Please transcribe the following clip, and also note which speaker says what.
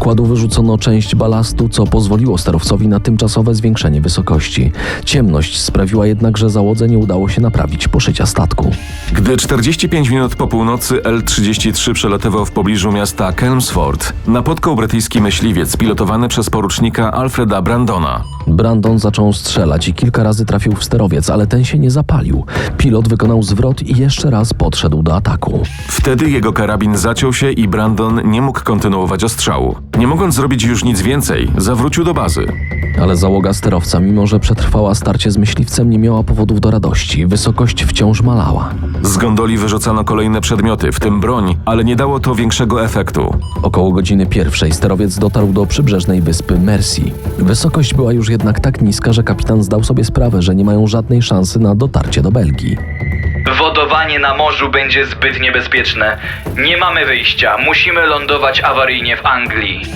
Speaker 1: pokładu wyrzucono część balastu, co pozwoliło sterowcowi na tymczasowe zwiększenie wysokości. Ciemność sprawiła jednak, że załodze nie udało się naprawić poszycia statku.
Speaker 2: Gdy 45 minut po północy L-33 przelatywał w pobliżu miasta Chelmsford, napotkał brytyjski myśliwiec pilotowany przez porucznika Alfreda Brandona.
Speaker 1: Brandon zaczął strzelać i kilka razy trafił w sterowiec, ale ten się nie zapalił. Pilot wykonał zwrot i jeszcze raz podszedł do ataku.
Speaker 2: Wtedy jego karabin zaciął się i Brandon nie mógł kontynuować ostrzału. Nie mogąc zrobić już nic więcej, zawrócił do bazy.
Speaker 1: Ale załoga sterowca, mimo że przetrwała starcie z myśliwcem, nie miała powodów do radości. Wysokość wciąż malała.
Speaker 2: Z gondoli wyrzucano kolejne przedmioty, w tym broń, ale nie dało to większego efektu.
Speaker 1: Około godziny 1 sterowiec dotarł do przybrzeżnej wyspy Mersey. Wysokość była już jednak tak niska, że kapitan zdał sobie sprawę, że nie mają żadnej szansy na dotarcie do Belgii.
Speaker 3: Wodowanie na morzu będzie zbyt niebezpieczne. Nie mamy wyjścia. Musimy lądować awaryjnie w Anglii.